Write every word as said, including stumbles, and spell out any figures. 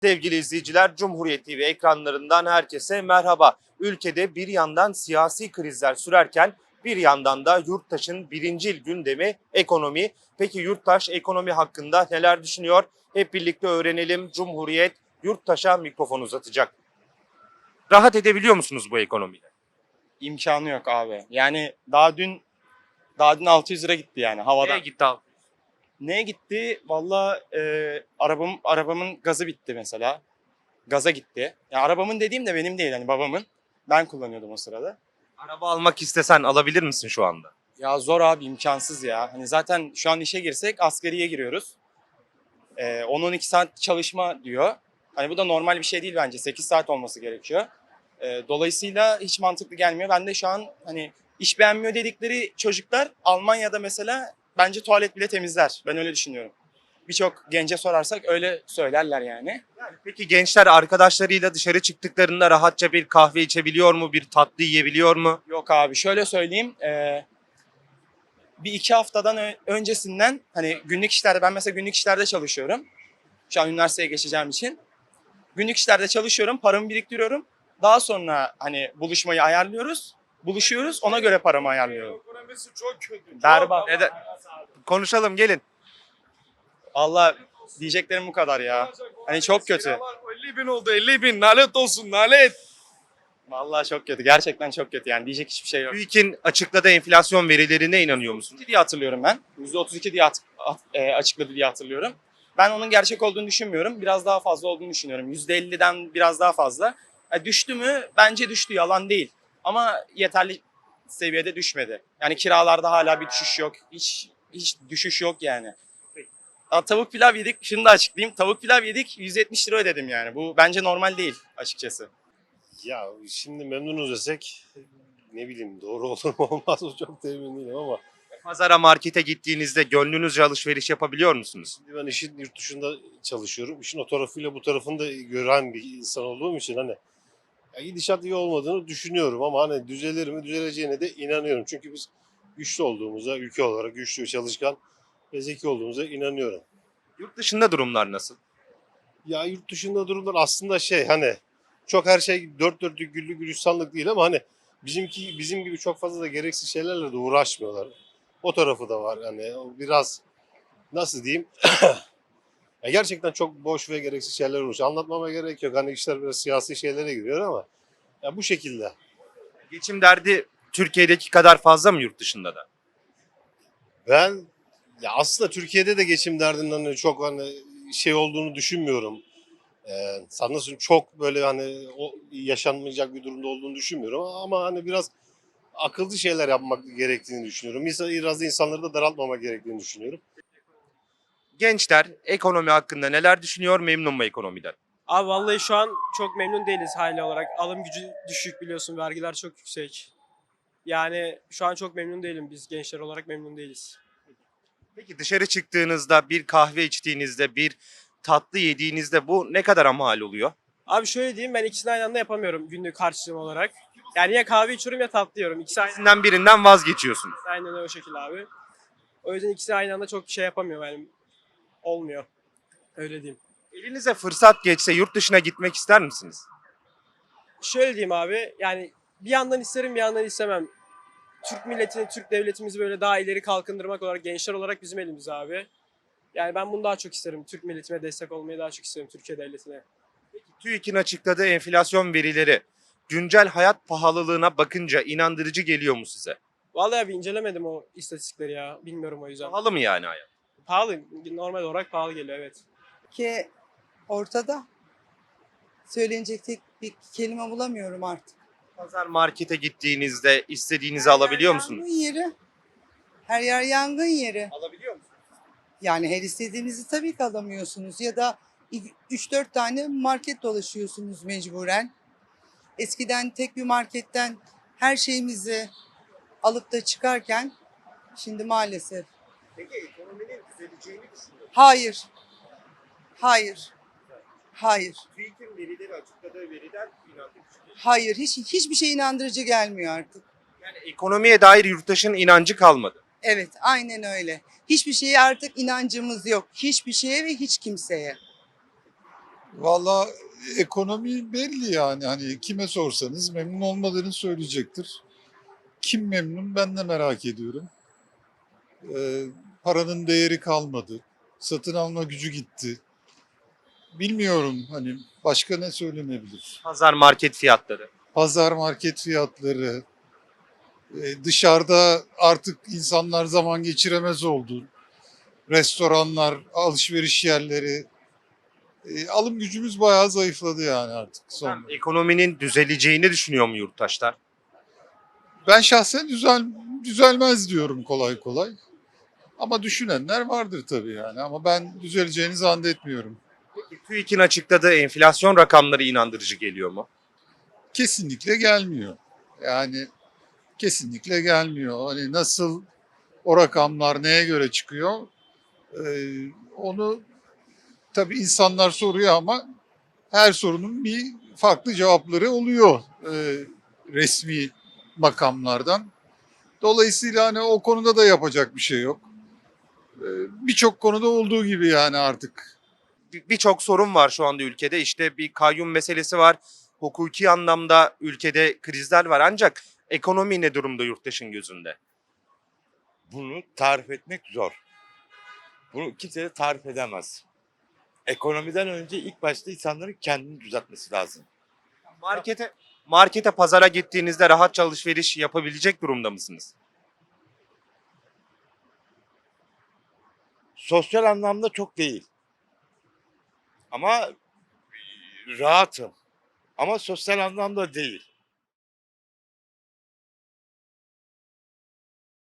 Sevgili izleyiciler, Cumhuriyet T V ekranlarından herkese merhaba. Ülkede bir yandan siyasi krizler sürerken bir yandan da yurttaşın birincil gündemi ekonomi. Peki yurttaş ekonomi hakkında neler düşünüyor? Hep birlikte öğrenelim. Cumhuriyet yurttaşa mikrofon uzatacak. Rahat edebiliyor musunuz bu ekonomiyle? İmkanı yok abi. Yani daha dün daha dün altı yüz lira gitti yani havada. Nereye gitti abi? Neye gitti? Valla e, arabam arabamın gazı bitti mesela. Gaza gitti. Ya arabamın dediğim de benim değil hani babamın. Ben kullanıyordum o sırada. Araba almak istesen alabilir misin şu anda? Ya zor abi, imkansız ya. Hani zaten şu an işe girsek asgariye giriyoruz. E, on on iki saat çalışma diyor. Hani bu da normal bir şey değil bence. sekiz saat olması gerekiyor. E, dolayısıyla hiç mantıklı gelmiyor. Ben de şu an hani iş beğenmiyor dedikleri çocuklar Almanya'da mesela bence tuvalet bile temizler. Ben öyle düşünüyorum. Birçok gence sorarsak öyle söylerler yani. Peki gençler arkadaşlarıyla dışarı çıktıklarında rahatça bir kahve içebiliyor mu? Bir tatlı yiyebiliyor mu? Yok abi, şöyle söyleyeyim. E, bir iki haftadan ö- öncesinden hani günlük işlerde, ben mesela günlük işlerde çalışıyorum. Şu an üniversiteye geçeceğim için. Günlük işlerde çalışıyorum, paramı biriktiriyorum. Daha sonra hani buluşmayı ayarlıyoruz. Buluşuyoruz, ona göre paramı ayarlıyorum. Ekonomisi çok kötü. Berbat. Neden? Konuşalım gelin. Allah, diyeceklerim bu kadar ya. Hani çok kötü. elli bin oldu, elli bin. Nalet olsun, nalet. Vallahi çok kötü. Gerçekten çok kötü yani. Diyecek hiçbir şey yok. TÜİK'in açıkladığı enflasyon verilerine inanıyor musun? diye hatırlıyorum ben. yüzde otuz iki diye at- at- e, açıkladı diye hatırlıyorum. Ben onun gerçek olduğunu düşünmüyorum. Biraz daha fazla olduğunu düşünüyorum. yüzde elliden biraz daha fazla. E, düştü mü? Bence düştü. Yalan değil. Ama yeterli seviyede düşmedi. Yani kiralarda hala bir düşüş yok. Hiç hiç düşüş yok yani. Aa, tavuk pilav yedik. Şunu da açıklayayım. Tavuk pilav yedik. yüz yetmiş lira ödedim yani. Bu bence normal değil açıkçası. Ya şimdi memnunuz desek ne bileyim doğru olur mu olmaz mı çok da emin değilim ama Pazara, markete gittiğinizde gönlünüzce alışveriş yapabiliyor musunuz? şimdi ben işin yurt dışında çalışıyorum. İşin o tarafıyla bu tarafını da gören bir insan olduğum için hani ya gidişat iyi olmadığını düşünüyorum ama hani düzelir mi düzeleceğine de inanıyorum. Çünkü biz güçlü olduğumuza, ülke olarak güçlü, çalışkan ve zeki olduğumuza inanıyorum. Yurt dışında durumlar nasıl? Ya yurt dışında durumlar aslında şey hani çok her şey dört dörtlük güllük gülistanlık değil ama hani bizimki bizim gibi çok fazla da gereksiz şeylerle de uğraşmıyorlar. O tarafı da var hani o biraz nasıl diyeyim ya gerçekten çok boş ve gereksiz şeyler uğraşıyor. Anlatmama gerek yok hani işler biraz siyasi şeylere giriyor ama ya bu şekilde. Geçim derdi Türkiye'deki kadar fazla mı yurt dışında da? Ben ya aslında Türkiye'de de geçim derdinden hani çok hani şey olduğunu düşünmüyorum. Ee, sana nasıl çok böyle hani o yaşanmayacak bir durumda olduğunu düşünmüyorum ama hani biraz akıllı şeyler yapmak gerektiğini düşünüyorum. İnsan, biraz da insanları da daraltmamak gerektiğini düşünüyorum. Gençler ekonomi hakkında neler düşünüyor, memnun mu ekonomiden? Abi vallahi şu an çok memnun değiliz hali olarak. Alım gücü düşük, biliyorsun, vergiler çok yüksek. Yani şu an çok memnun değilim. Biz gençler olarak memnun değiliz. Peki dışarı çıktığınızda, bir kahve içtiğinizde, bir tatlı yediğinizde bu ne kadar mal oluyor? Abi şöyle diyeyim, ben ikisini aynı anda yapamıyorum günlük harçlığım olarak. Yani ya kahve içiyorum ya tatlı yiyorum. İkisi aynı, İkisinden birinden vazgeçiyorsunuz. aynen o şekilde abi. O yüzden ikisi aynı anda çok şey yapamıyorum yani. Olmuyor. Öyle diyeyim. Elinize fırsat geçse yurt dışına gitmek ister misiniz? Şöyle diyeyim abi, yani bir yandan isterim bir yandan istemem. Türk milletini, Türk devletimizi böyle daha ileri kalkındırmak olarak, gençler olarak bizim elimizde abi. Yani ben bunu daha çok isterim. Türk milletime destek olmayı daha çok isterim, Türkiye devletine. TÜİK'in açıkladığı enflasyon verileri güncel hayat pahalılığına bakınca inandırıcı geliyor mu size? Vallahi abi incelemedim o istatistikleri ya. Bilmiyorum o yüzden. Pahalı mı yani hayat? Pahalı. Normal olarak pahalı geliyor, evet. Ki ortada. Söylenecek tek bir kelime bulamıyorum artık. Pazar, markete gittiğinizde istediğinizi Her alabiliyor yer musunuz? Yangın yeri. Her yer yangın yeri. Alabiliyor musunuz? Yani her istediğinizi tabii ki alamıyorsunuz. Ya da üç dört tane market dolaşıyorsunuz mecburen. Eskiden tek bir marketten her şeyimizi alıp da çıkarken şimdi maalesef. Peki ekonominin düzeleceğini düşünüyorum. Hayır. Hayır. Hayır. TÜİK'in verileri açıkladığı veriden inandırıcı. Hayır. Hiç, hiçbir şey inandırıcı gelmiyor artık. Yani ekonomiye dair yurttaşın inancı kalmadı. Evet, aynen öyle. Hiçbir şeye artık inancımız yok. Hiçbir şeye ve hiç kimseye. Valla ekonomi belli yani. Hani kime sorsanız memnun olmadığını söyleyecektir. Kim memnun ben de merak ediyorum. Ee, paranın değeri kalmadı. Satın alma gücü gitti. Bilmiyorum hani başka ne söylenebilir. Pazar market fiyatları. Pazar market fiyatları, e, dışarıda artık insanlar zaman geçiremez oldu. Restoranlar, alışveriş yerleri, e, alım gücümüz bayağı zayıfladı yani artık sonra. Ekonominin düzeleceğini düşünüyor mu yurttaşlar? Ben şahsen düzel, düzelmez diyorum kolay kolay. Ama düşünenler vardır tabii yani. Ama ben düzeleceğini zannetmiyorum. Peki TÜİK'in açıkladığı enflasyon rakamları inandırıcı geliyor mu? Kesinlikle gelmiyor. Yani kesinlikle gelmiyor. Hani nasıl o rakamlar neye göre çıkıyor? Ee, onu tabii insanlar soruyor ama her sorunun bir farklı cevapları oluyor e, resmi makamlardan. Dolayısıyla hani o konuda da yapacak bir şey yok. Ee, Birçok konuda olduğu gibi yani artık. Bir- Birçok sorun var şu anda ülkede. İşte bir kayyum meselesi var. Hukuki anlamda ülkede krizler var. Ancak ekonomi ne durumda yurttaşın gözünde? Bunu tarif etmek zor. Bunu kimse de tarif edemez. Ekonomiden önce ilk başta insanların kendini düzeltmesi lazım. Markete markete pazara gittiğinizde rahatça alışveriş yapabilecek durumda mısınız? Sosyal anlamda çok değil. Ama rahatım. Ama sosyal anlamda değil.